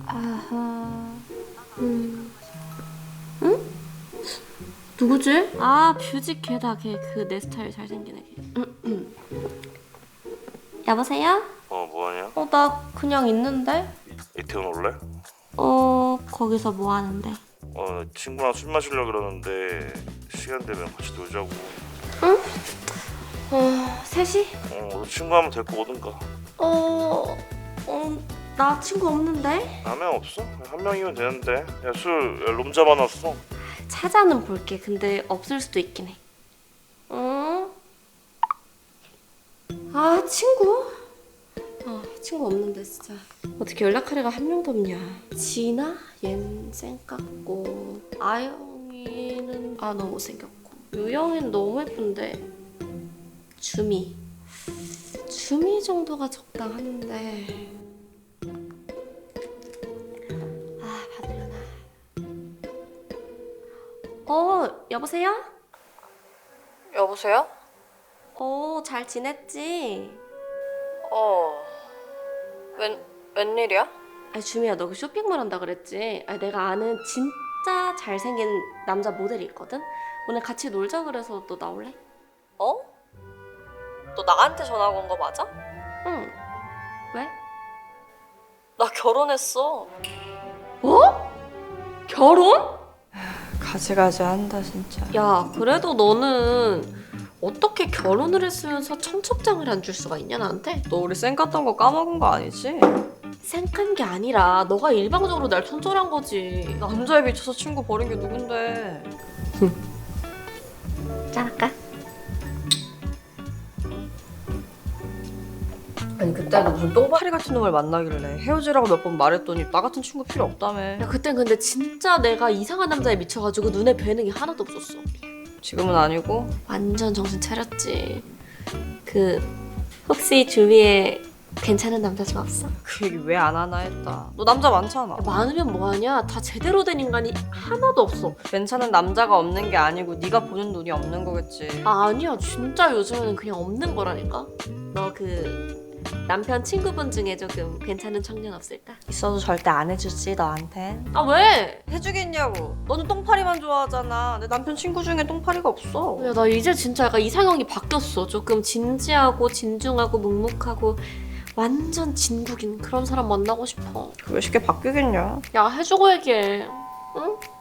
아하. 응? 누구지? 아, 뷰직 걔다. 걔 그 내 스타일 잘생긴 애. 여보세요? 뭐하냐? 나 그냥 있는데? 이태원 올래? 거기서 뭐 하는데? 친구랑 술 마시려고 그러는데 시간 되면 같이 놀자고. 셋이? 너 친구 한번 데리고 오든가. 나 친구 없는데? 한 명 없어? 한 명이면 되는데. 야, 롬 잡아놨어. 찾아는 볼게. 근데 없을 수도 있긴 해. 아, 친구? 친구 없는데 진짜. 어떻게 연락할 애가 한 명도 없냐. 진아? 얜 쌩깝고, 아영이는 너무 못생겼고, 유영이는 너무 예쁜데, 주미 정도가 적당한데. 받으려나. 여보세요? 여보세요? 잘 지냈지? 웬일이야? 주미야, 너 그 쇼핑몰 한다 그랬지? 내가 아는 진짜 잘생긴 남자 모델이 있거든? 오늘 같이 놀자 그래서 너 나올래? 너 나한테 전화 온 거 맞아? 응. 왜? 나 결혼했어. 뭐? 결혼? 가지가지 한다 진짜. 야, 그래도 너는 어떻게 결혼을 했으면서 청첩장을 안 줄 수가 있냐, 나한테? 너 우리 쌩 깠던 거 까먹은 거 아니지? 생각한 게 아니라 너가 일방적으로 날 손절한 거지. 남자에 미쳐서 친구 버린 게 누군데? 짠할까? 아니 그때 너 무슨 똥파리 같은 놈을 만나길래 헤어지라고 몇 번 말했더니 나 같은 친구 필요 없다며. 야, 그땐 근데 진짜 내가 이상한 남자에 미쳐가지고 눈에 뵈는 게 하나도 없었어. 지금은 아니고? 완전 정신 차렸지. 혹시 주위에 괜찮은 남자 좀 없어? 그 얘기 왜 안 하나 했다. 너 남자 많잖아. 야, 많으면 뭐하냐? 다 제대로 된 인간이 하나도 없어. 괜찮은 남자가 없는 게 아니고 네가 보는 눈이 없는 거겠지. 아니야, 진짜 요즘에는 그냥 없는 거라니까. 너 남편 친구분 중에 조금 괜찮은 청년 없을까? 있어도 절대 안 해주지 너한텐. 아, 왜? 해주겠냐고. 너는 똥파리만 좋아하잖아. 내 남편 친구 중에 똥파리가 없어. 야, 나 이제 진짜 약간 이상형이 바뀌었어. 조금 진지하고 진중하고 묵묵하고 완전 진국인 그런 사람 만나고 싶어. 그게 쉽게 바뀌겠냐? 야, 해주고 얘기해. 응?